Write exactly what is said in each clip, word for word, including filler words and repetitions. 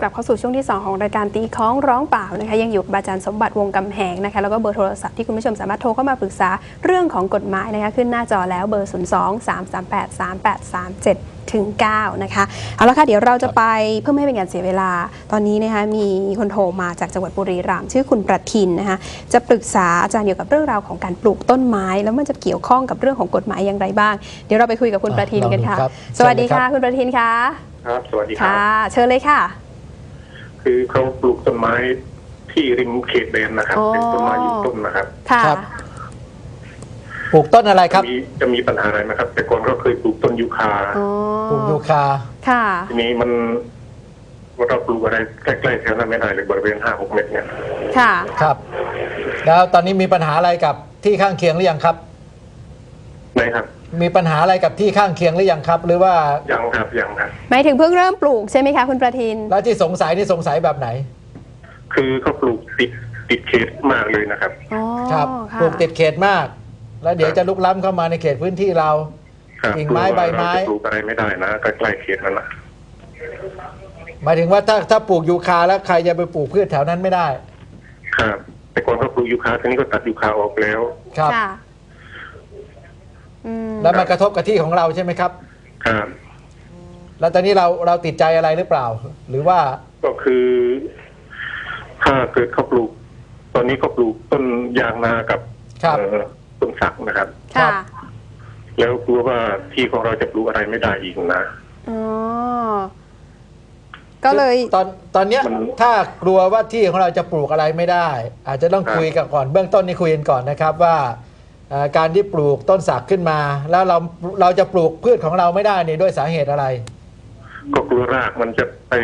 ลับเข้าสู่ช่วงที่สองของรายการตีคล้องร้องเปล่านะคะยังอยู่กับอาจารย์สมบัติวงศ์กำแหงนะคะแล้วก็เบอร์โทรศัพท์ที่คุณผู้ชมสามารถโทรเข้ามาปรึกษาเรื่องของกฎหมายนะคะขึ้นหน้าจอแล้วเบอร์ ศูนย์ สอง สาม สาม แปด สาม แปด สาม เจ็ด ถึง เก้า นะคะเอาละค่ะเดี๋ยวเราจะไปเพื่อไม่ให้เป็นการเสียเวลาตอนนี้นะคะมีคนโทรมาจากจังหวัดบุรีรัมย์ชื่อคุณประทินนะคะจะปรึกษาอาจารย์เกี่ยวกับเรื่องราวของการปลูกต้นไม้แล้วมันจะเกี่ยวข้องกับเรื่องของกฎหมายอย่างไรบ้างเดี๋ยวเราไปคุยกับคุณประทินกันค่ะสวัสดีค่ะคุณประทินค่ะครับสวัสดีครับค่ะเชิญเลยค่ะคือเขาปลูกต้นไม้ที่ริมเขตแดนนะครับเป็นต้นไม้ยืนต้นนะครับค่ะปลูกต้นอะไรครับจะมีจะมีปัญหาอะไรไหมครับแต่ก่อนก็เคยปลูกต้นยูคาปลูกยูคาค่ะทีนี้มันเราปลูกอะไรใกล้ๆแถวนั้นไม่ได้เลยบริเวณห้าหกเมตรเนี่ยค่ะครับแล้วตอนนี้มีปัญหาอะไรกับที่ข้างเคียงหรือยังครับไหนครับมีปัญหาอะไรกับที่ข้างเคียงหรือยังครับหรือว่ายังครับยังครับหมายถึงเพิ่งเริ่มปลูกใช่ไหมคะคุณประทินแล้วที่สงสัยนี่สงสัยแบบไหนคือเขาปลูกติดติดเขตมากเลยนะครับครับปลูกติดเขตมากแล้วเดี๋ยวจะลุกล้ำเข้ามาในเขตพื้นที่เรากิ่งไม้ใบไม้ปลูกอะไรไม่ได้นะใกล้ๆเขตนั่นแหละหมายถึงว่าถ้าถ้าปลูกยูคาแล้วใครจะไปปลูกพืชแถวนั้นไม่ได้ครับแต่ก่อนเขาปลูกยูคาทีนี้ก็ตัดยูคาออกแล้วครับแล้วมันกระทบกับที่ของเราใช่ไหมครับครับแล้วตอนนี้เราเราติดใจอะไรหรือเปล่าหรือว่าก็คือถ้าเกิดเขาปลูกตอนนี้เขาปลูกต้นยางนากับต้นสักนะครับค่ะแล้วกลัวว่าที่ของเราจะปลูกอะไรไม่ได้อีกนะอ๋อก็เลยตอนตอนเนี้ยถ้ากลัวว่าที่ของเราจะปลูกอะไรไม่ได้อาจจะต้องคุยกันก่อนเบื้องต้นนี่คุยกันก่อนนะครับว่าการที่ปลูกต้นสักขึ้นมาแล้วเราเราจะปลูกพืชของเราไม่ได้นี่ด้วยสาเหตุอะไรก็กลัวรากมันจะไป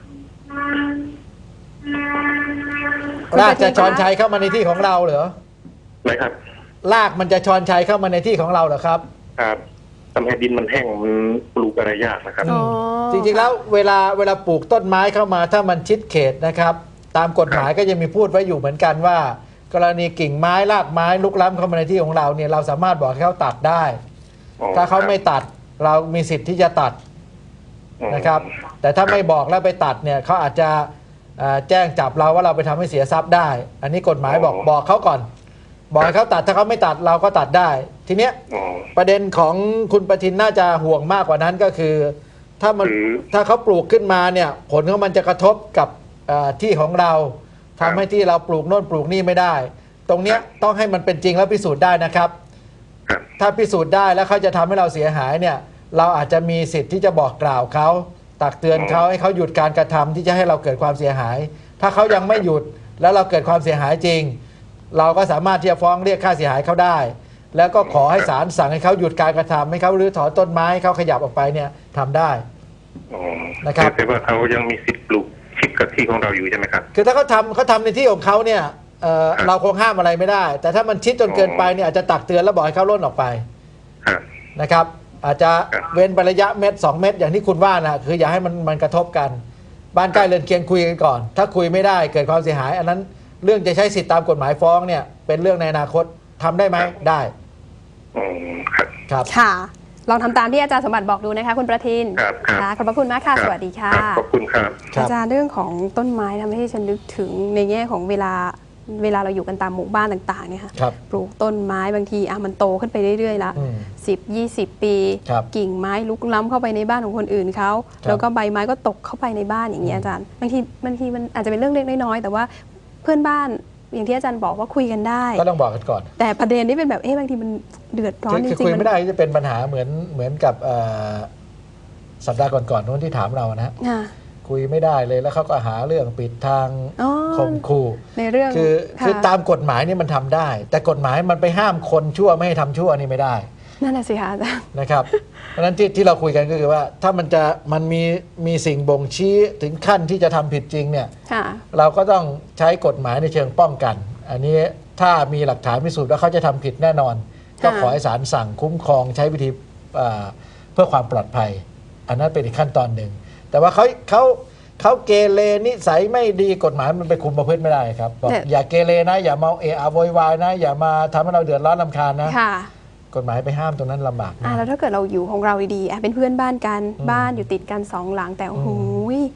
รากจะชอนชัยเข้ามาในที่ของเราเหรอไหนครับรากมันจะชอนชัยเข้ามาในที่ของเราเหรอครับครับทำให้ดินมันแห้งมันปลูกอะไรยากนะครับจริงๆแล้วเวลาเวลาปลูกต้นไม้เข้ามาถ้ามันชิดเขตนะครับตามกฎหมายก็จะมีพูดไว้อยู่เหมือนกันว่ากรณีกิ่งไม้รากไม้ลุกล้ำเข้ามาในที่ของเราเนี่ยเราสามารถบอกให้เขาตัดได้ถ้าเขาไม่ตัดเรามีสิทธิ์ที่จะตัดนะครับแต่ถ้าไม่บอกแล้วไปตัดเนี่ยเขาอาจจะแจ้งจับเราว่าเราไปทำให้เสียทรัพย์ได้อันนี้กฎหมายบอกบอกเขาก่อนบอกให้เขาตัดถ้าเขาไม่ตัดเราก็ตัดได้ทีเนี้ยประเด็นของคุณประทินน่าจะห่วงมากกว่านั้นก็คือถ้ามันถ้าเขาปลูกขึ้นมาเนี่ยผลของมันจะกระทบกับที่ของเราทำให้ที่เราปลูกโน่นปลูกนี่ไม่ได้ตรงเนี้ยต้องให้มันเป็นจริงแล้วพิสูจน์ได้นะครับถ้าพิสูจน์ได้แล้วเขาจะทำให้เราเสียหายเนี่ยเราอาจจะมีสิทธิ์ที่จะบอกกล่าวเขาตักเตือนเขาให้เขาหยุดการกระทำที่จะให้เราเกิดความเสียหายถ้าเขายังไม่หยุดแล้วเราเกิดความเสียหายจริงเราก็สามารถที่จะฟ้องเรียกค่าเสียหายเขาได้แล้วก็ขอให้ศาลสั่งให้เขาหยุดการกระทำให้เขารื้อถอนต้นไม้เขาขยับออกไปเนี่ยทำได้นะครับแต่ว่าเขายังมีสิทธิ์ปลูกชิดกับที่ของเราอยู่ใช่ไหมครับคือถ้าเขาทำเขาทำในที่ของเขาเนี่ย เ, เราคงห้ามอะไรไม่ได้แต่ถ้ามันชิดจนเกินไปเนี่ยอาจจะตักเตือนแล้วบอกให้เขาล่นออกไปนะครับอาจจะเว้นระยะเมตรสองเมตรอย่างที่คุณว่านะคืออย่าให้มันมันกระทบกันบ้านใกล้เรือนเคียงคุยกันก่อนถ้าคุยไม่ได้เกิดความเสียหายอันนั้นเรื่องจะใช้สิทธิตามกฎหมายฟ้องเนี่ยเป็นเรื่องในอนาคตทำได้ไหมได้ครับค่ะลองทำตามที่อาจารย์สมบัติบอกดูนะคะคุณประทินครับค่ะขอบพระคุณมากค่ะสวัสดีค่ะขอบคุณครับอาจารย์เรื่องของต้นไม้ทำให้ฉันนึกถึงในแง่ของเวลาเวลาเราอยู่กันตามหมู่บ้านต่างๆเนี่ยค่ะปลูกต้นไม้บางทีอ่ะมันโตขึ้นไปเรื่อยๆละสิบยี่สิบปีกิ่งไม้ลุกล้ำเข้าไปในบ้านของคนอื่นเขาแล้วก็ใบไม้ก็ตกเข้าไปในบ้านอย่างนี้อาจารย์บางทีบางทีมันอาจจะเป็นเรื่องเล็กน้อยๆแต่ว่าเพื่อนบ้านอย่างที่อาจารย์บอกว่าคุยกันได้ก็ต้องบอกกันก่อนแต่ประเด็นนี้เป็นแบบเอ๊ะบางทีมันเดือดร้อนจริงๆคุยไม่ได้จะเป็นปัญหาเหมือนเหมือนกับสัปดาห์ก่อนๆนู้นที่ถามเรานะคุยไม่ได้เลยแล้วเขาก็หาเรื่องปิดทางข่มขู่ในเรื่องคือคือตามกฎหมายนี่มันทำได้แต่กฎหมายมันไปห้ามคนชั่วไม่ให้ทำชั่วนี่ไม่ได้นั่นแหละสิคะอาจารย์นะครับเพราะฉะนั้นที่ที่เราคุยกันก็คือว่าถ้ามันจะมันมีมีสิ่งบ่งชี้ถึงขั้นที่จะทำผิดจริงเนี่ยเราก็ต้องใช้กฎหมายในเชิงป้องกันอันนี้ถ้ามีหลักฐานพิสูจน์ว่าเขาจะทำผิดแน่นอนก็ขอให้ศาลสั่งคุ้มครองใช้วิธีเพื่อความปลอดภัยอันนั้นเป็นอีกขั้นตอนหนึ่งแต่ว่าเขาเขาเขาเกเรนิสัยไม่ดีกฎหมายมันไปคุมประพฤติไม่ได้ครับบอกอย่าเกเรนะอย่าเมาเอะอะโวยวายนะอย่ามาทำให้เราเดือดร้อนรำคาญนะกฎหมายไปห้ามตรงนั้นลำบากอ่าแล้วถ้าเกิดเราอยู่ของเราดีๆเป็นเพื่อนบ้านกันบ้านอยู่ติดกันสองหลังแต่โอ้โห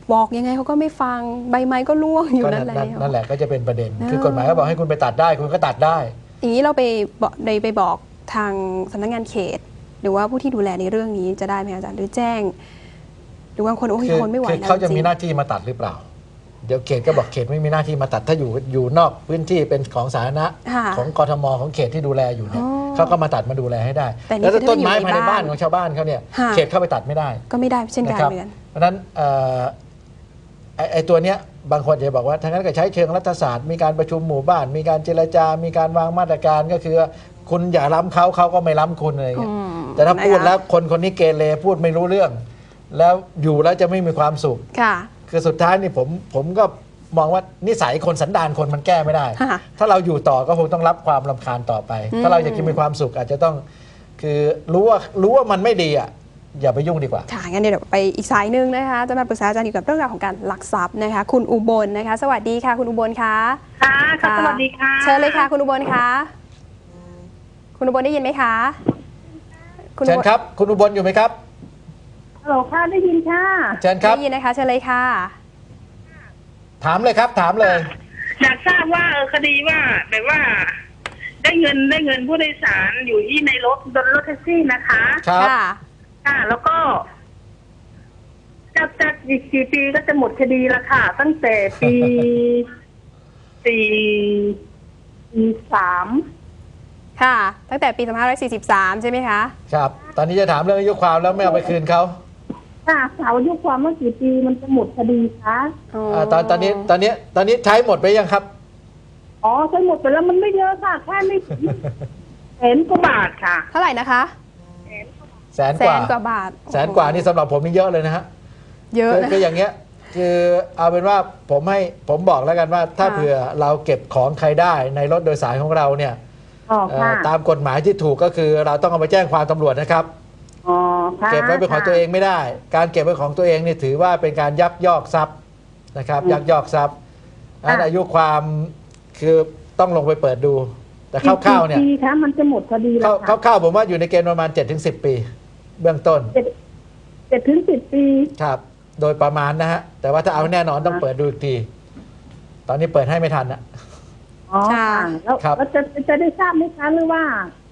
บอกยังไงเขาก็ไม่ฟังใบไม้ก็ร่วงอยู่ก็นั่นั่นนแหละนั่นนั่นแหละก็จะเป็นประเด็นเออคือกฎหมายก็บอกให้คุณไปตัดได้คุณก็ตัดได้อย่างนี้เราไปบอกได้ไปบอกทางสำนักงานเขต หรือว่าผู้ที่ดูแลในเรื่องนี้จะได้ไหมอาจารย์หรือแจ้ง หรือว่าคนโอ้ยคือคนไม่ไหวคือแล้วเขาจะจริมีงหน้าที่มาตัดหรือเปล่า เดี๋ยวเขตก็บอกเขตไม่มีหน้าที่มาตัดถ้าอยู่อยู่นอกพื้นที่เป็นของสาธารณะค่ะของกทมของเขตที่ดูแลอยู่เนี่ยอ๋อเขาก็มาตัดมาดูแลให้ได้แต่นี่แล้วถ้าคือต้นไม้ถ้าอยู่ในภายในบ้านบ้านของชาวบ้านเขาเนี่ยค่ะเขตเข้าไปตัดไม่ได้ก็ไม่ได้เช่นกันนะครับเหมือนกันเพราะฉะนั้นเอ่อไอ้ไอ้ตัวเนี้ยบางคนจะบอกว่าทางนั้นก็ใช้เชิงรัฐศาสตร์มีการประชุมหมู่บ้าน มีการเจรจา มีการวางมาตรการก็คือคุณอย่าล้ำเขาเขาก็ไม่ล้ำคุณอะไรอย่างเงี้ยอืมแต่ถ้าพูดนะคะแล้วคนคนนี้เกเรพูดไม่รู้เรื่อง แล้วอยู่แล้วจะไม่มีความสุขค่ะคือสุดท้ายนี่ผมผมก็มองว่านิสัยคนสันดานคนมันแก้ไม่ได้ค่ะถ้าเราอยู่ต่อก็คงต้องรับความรำคาญต่อไปอืมถ้าเราอยากจะมีความสุขอาจจะต้องคือรู้ว่ารู้ว่ามันไม่ดีอ่ะอย่าไปยุ่งดีกว่าค่ะงั้นเดี๋ยวไปอีกสายหนึ่งนะคะจะมาปรึกษาอาจารย์เกี่ยวกับเรื่องราวของการลักทรัพย์นะคะ คุณอุบลนะคะ สวัสดีค่ะ คุณอุบลคะค่ะค่ะสวัสดีค่ะเชิญเลยค่ะ คุณอุบลคะคุณอุบลได้ยินไหมคะณเชิญอุลครับ คุณอุบลอยู่ไหมครับฮัลโหลค่ะได้ยินค่ะเชิญครับได้ยินนะคะเชิญเลยค่ะถามเลยครับ ถามเลยอยากทราบว่าเออคดีว่าแบบว่า ได้เงินได้เงินผู้โดยสารอยู่ที่ในรถบนรถแท็กซี่นะคะครับค่ะค่ะ แล้วก็จะจะอีกกี่ปีก็จะหมดคดีละค่ะ ตั้งแต่ปีสี่ปีสามค่ะ ตั้งแต่ปีสองพันห้าร้อยสี่สิบสามใช่ไหมคะครับ ตอนนี้จะถามเรื่องอายุความแล้วไม่เอาไปคืนเขาค่ะสาวอายุความว่ากี่ปีมันจะหมดคดีคะอ่าตอนตอนนี้ตอนนี้ตอนนี้ใช้หมดไปยังครับอ๋อใช้หมดไปแล้วมันไม่เยอะค่ะแค่ไม่แสนกว่าบาทค่ะเท่าไหร่นะคะแสนแสกว่านกว่าบาทแสนกว่านี่สำหรับผมนี่เยอะเลยนะฮะเยอะคือนะคืออย่างเงี้ยคือเอาเป็นว่าผมให้ผมบอกแล้วกันว่า ถ้าค่ะเผื่อเราเก็บของใครได้ในรถโดยสารของเราเนี่ยอ๋อเอ่อค่ะตามกฎหมายที่ถูกก็คือเราต้องเอาไปแจ้งความตำรวจนะครับอ๋อค่ะเก็บไว้เป็นของตัวเองไม่ได้ การเก็บไว้ของตัวเองนี่ถือว่าเป็นการยักยอกทรัพย์นะครับ ยักยอกทรัพย์อันอายุความคือต้องลงไปเปิดดู แต่คร่าวๆเนี่ยกี่ปีคะมันจะหมดคดีแล้วค่ะคร่าวๆผมว่าอยู่ในเกณฑ์ประมาณ เจ็ดถึงสิบ ปี เบื้องต้นเจ็ดเจ็ดถึงสิบปีครับ โดยประมาณนะฮะ แต่ว่าถ้าเอาแน่นอนต้องเปิดดูอีกที ตอนนี้เปิดให้ไม่ทันนะอ๋อค่ะค่ะแล้วครับแล้วจะจะได้ทราบไหมคะหรือว่า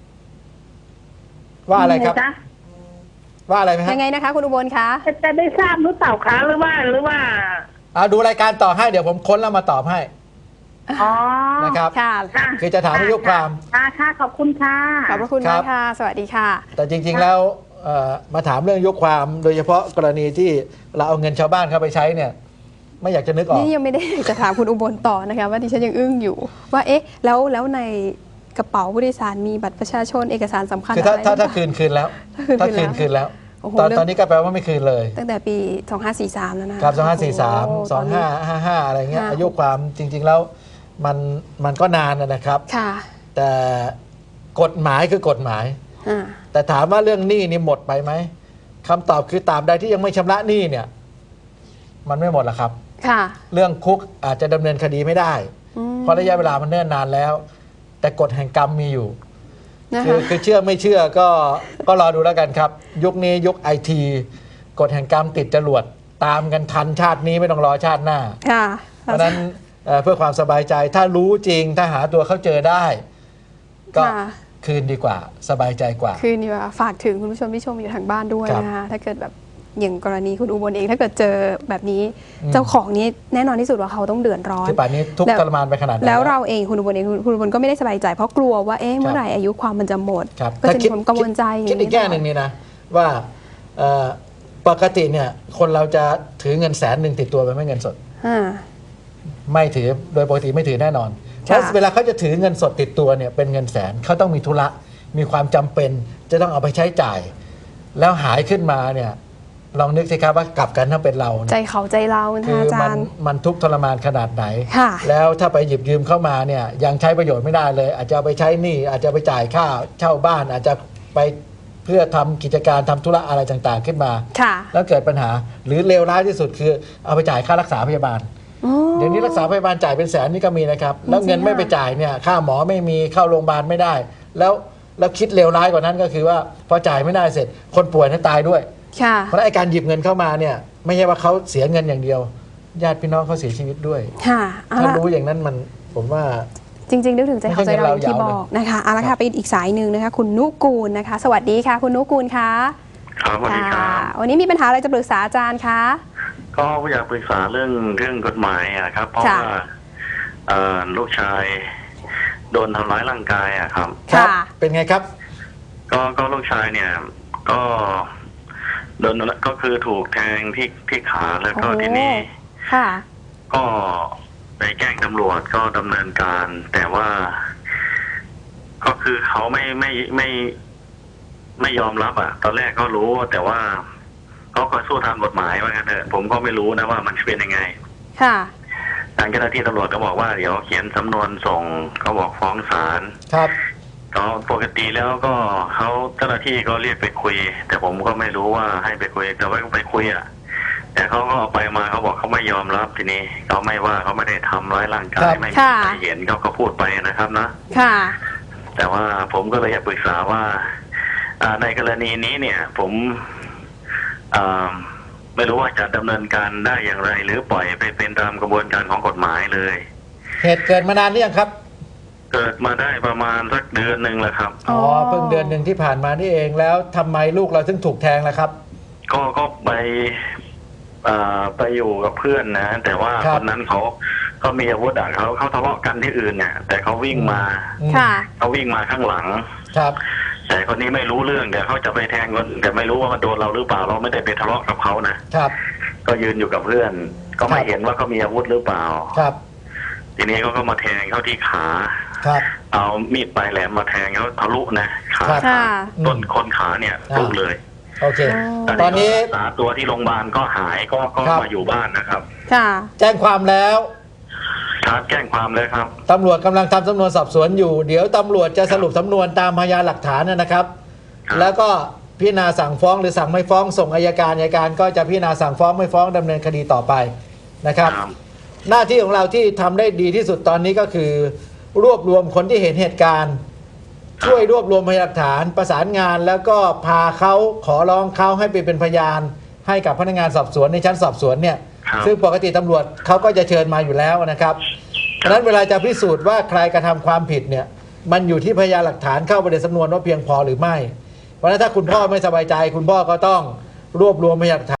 ว่าอะไรครับยังงจ๊ว่าอะไรไหมฮะยังไงนะคะ คุณอุบลคะจะจะได้ทราบหรือเปล่าคะหรือว่าหรือว่าเอาดูรายการต่อให้เดี๋ยวผมค้นแล้วมาตอบให้อ๋อนะครับค่ะค่ะคือจะถามอายุความค่ะค่ะขอบคุณค่ะขอบพระคุณครัมาบกค่ะ สวัสดีค่ะแต่จริง ๆ แล้วเอ่อมาถามเรื่องอายุความ โดยเฉพาะกรณีที่เราเอาเงินชาวบ้านเข้าไปใช้เนี่ย ไม่อยากจะนึกออกนี่ยังไม่ได้ จะถามคุณอุบลต่อนะคะว่าดิฉันยังอึ้งอยู่ ว่าเอ๊ะแล้วแล้วในกระเป๋าผู้โดยสารมีบัตรประชาชนเอกสารสำคัญคือถ้าอะไรถ้าหรือถ้าเปล่าคืนคืนแล้วถ้าคืถ้าน คืนคืคืนนแล้แล้ว วโอ้โหตอนเรื่องตอนนี้ก็แปลว่าไม่คืนเลยตั้งแต่ปี สองพันห้าร้อยสี่สิบสาม แล้วนะครับสองห้าสี่สามโอ้โสองห้าห้าห้าอะไรเงี้ยค่ะอายุความจริง ๆ แล้วมันมันก็นานนะครับค่ะแต่กฎหมายคือกฎหมายอ่าแต่ถามว่าเรื่องหนี้นี่หมดไปไหมคำตอบคือตราบใดที่ยังไม่ชำระหนี้เนี่ย มันไม่หมดหรอกครับค่ะเรื่องคุกอาจจะดำเนินคดีไม่ได้อืมเพราะระยะเวลามันเนิ่นนานแล้ว แต่กฎแห่งกรรมมีอยู่นะคือคะคือเชื่อไม่เชื่อก็ก็รอดูแล้วกันครับ ยุคนี้ยุคไอทีกฎแห่งกรรมติดจรวดตามกันทันชาตินี้ไม่ต้องรอชาติหน้าค่ะเพราะฉะนั้นเอ่อเพื่อความสบายใจถ้ารู้จริงถ้าหาตัวเขาเจอได้ ก็ค่ะคืนดีกว่า สบายใจกว่าคือนี่ว่าฝากถึงคุณผู้ชมที่ชมอยู่ทางบ้านด้วยครับนะคะถ้าเกิดแบบอย่างกรณีคุณอุบลเอง ถ้าเกิดเจอแบบนี้อืมเจ้าของนี้แน่นอนที่สุดว่าเขาต้องเดือดร้อนที่ป่านนี้ทุกข์แล้วทรมานไปขนาดไหนแล้วเราเองคุณอุบลเองคุณคุณอุบลก็ไม่ได้สบายใจเพราะกลัวว่าเอ๊ะเมื่อไหร่อายุความมันจะหมดครับก็จะมีความกังวลใจคิดอีกแง่หนึ่งนี่นะว่าเอ่อปกติเนี่ยคนเราจะถือเงินแสนหนึ่งติดตัวไปไม่เงินสดอ่าไม่ถือโดยปกติไม่ถือแน่นอนค่ะถ้าเวลาเขาจะถือเงินสดติดตัวเนี่ยเป็นเงินแสนเขาต้องมีธุระมีความจำเป็นจะต้องเอาไปใช้จ่าย แล้วหายขึ้นมาเนี่ยลองนึกสิครับว่ากลับกันถ้าเป็นเราใจเนี่ยเขาใจเรานะคืคะออาจามันรย์มันทุกข์ทรมานขนาดไหนค่ะแล้วถ้าไปหยิบยืมเข้ามาเนี่ยยังใช้ประโยชน์ไม่ได้เลย อาจจะเอาไปใช้หนี้อาจจะไปจ่ายค่าเช่าบ้าน อาจจะไปเพื่อทำกิจการทำธุระอะไรต่างๆขึ้นมาค่ะแล้วเกิดปัญหาหรือเลวร้ายที่สุดคือเอาไปจ่ายค่ารักษาพยาบาลอ๋อเดี๋ยวนี้รักษาพยาบาลจ่ายเป็นแสนนี่ก็มีนะครับ แล้วเงินจริงๆไม่ไปค่ะจ่ายเนี่ยค่าหมอไม่มีเข้าโรงพยาบาลไม่ได้ แล้วแล้วคิดเลวร้ายกว่านั้นก็คือว่าพอจ่ายไม่ได้เสร็จ คนป่วยนั้นตายด้วยค่ะเพราะฉะนั้นไอ้การหยิบเงินเข้ามาเนี่ยไม่ใช่ว่าเขาเสียเงินอย่างเดียว ญาติพี่น้องเขาเสียชีวิตด้วยค่ะเอาถ้าละรู้อย่างนั้นมันผมว่าจริงๆนึกถึงใจเขาใจเราอย่างที่ไม่ใช่บอกเงินเรายาวนะนะคะเอาละครัค่ะบไปอีกสายหนึ่งนะคะ คุณนุกูลนะคะ สวัสดีค่ะ คุณนุกูลคะครับสวัสดีคค่ะรับวันนี้มีปัญหาอะไรจะปรึกษาอาจารย์คะก็อยากปรึกษาเรื่องเรื่องกฎหมายอะครับ เพราะค่ะว่าเอ่อลูกชายโดนทำร้ายร่างกายอะครับครับค่ะเป็นไงครับก็ก็ลูกชายเนี่ย ก็โดนก็คือถูกแทงที่ที่ขาแล้วก็โอ้ทีนี้ค่ะก็ไปแจ้งตำรวจก็ดำเนินการ แต่ว่า ก็คือเขาไม่ไม่ไม่ไม่ยอมรับอ่ะ ตอนแรกก็รู้แต่ว่าเขาก็สู้ทางกฎหมายว่างั้นเถอะผมก็ไม่รู้นะว่ามันเป็นยังไงค่ะทางเจ้าหน้าที่ตำรวจก็บอกว่าเดี๋ยวเขียนสำนวนส่งเขาบอกฟ้องศาลครับก็ปกติแล้วก็เขาเจ้าหน้าที่ก็เรียกไปคุย แต่ผมก็ไม่รู้ว่าให้ไปคุยแต่ว่าไปคุยอ่ะ แต่เขาก็เอาไปมาเขาบอกเขาไม่ยอมรับทีนี้เขาไม่ว่าเขาไม่ได้ทำร้ายร่างกายไม่มีใครเห็นเขาก็พูดไปนะครับนะค่ะแต่ว่าผมก็เลยอยากปรึกษาว่าอ่าในกรณีนี้เนี่ย ผมอ่าไม่รู้ว่าจะดำเนินการได้อย่างไร หรือปล่อยไปเป็นตามกระบวนการของกฎหมายเลยเหตุเกิดมานานหรือยังครับเกิดมาได้ประมาณสักเดือนหนึ่งแล้วครับอ๋ออ๋อเพิ่งเดือนหนึ่งที่ผ่านมานี่เองแล้วทำไมลูกเราถึงถูกแทงล่ะครับก็ก็ไปอ่าไปอยู่กับเพื่อนนะ แต่ว่าครับคนนั้นเขาเขามีอาวุธอ่ะเขาเขาทะเลาะกันที่อื่นเนี่ยแต่เขาวิ่งมาอืมค่ะเขาวิ่งมาข้างหลังครับแต่คนนี้ไม่รู้เรื่องแต่เขาจะไปแทงคนแต่ไม่รู้ว่ามันโดนเราหรือเปล่าเราไม่ได้ไปทะเลาะกับเขานะครับ ก็ยืนอยู่กับเพื่อน ก็ไม่ครับเห็นว่าเขามีอาวุธหรือเปล่าครับทีนี้เขาก็มาแทงเข้าที่ขาครับเอามีดปลายแหลมมาแทงเขาทะลุนะขาครับค่ะต้นคนขาเนี่ยทะลุเลยโอเคอ๋อตอนนี้ก็รักษาตัวที่โรงพยาบาลก็หายก็ก็ครับมาอยู่บ้านนะครับค่ะแจ้งความแล้วครับแจ้งความเลยครับตำรวจกำลังทำสำนวนสอบสวนอยู่ เดี๋ยวตำรวจจะสรุปสำนวนตามพยานหลักฐานนะครับครับแล้วก็พิจารณาสั่งฟ้องหรือสั่งไม่ฟ้องส่งอัยการอัยการก็จะพิจารณาสั่งฟ้องไม่ฟ้องดำเนินคดีต่อไปนะครับครับหน้าที่ของเราที่ทำได้ดีที่สุดตอนนี้ก็คือ รวบรวมคนที่เห็นเหตุการณ์ ช่วยรวบรวมพยานหลักฐานประสานงานแล้วก็พาเขาขอร้องเขาให้ไปเป็นพยานให้กับพนักงานสอบสวนในชั้นสอบสวนเนี่ยครับซึ่งปกติตำรวจเขาก็จะเชิญมาอยู่แล้วนะครับดังนั้นเวลาจะพิสูจน์ว่าใครกระทำความผิดเนี่ยมันอยู่ที่พยานหลักฐานเข้าไปในสำนวนว่าเพียงพอหรือไม่ เพราะฉะนั้นถ้าคุณพ่อไม่สบายใจ คุณพ่อก็ต้องรวบรวมพยานหลักฐาน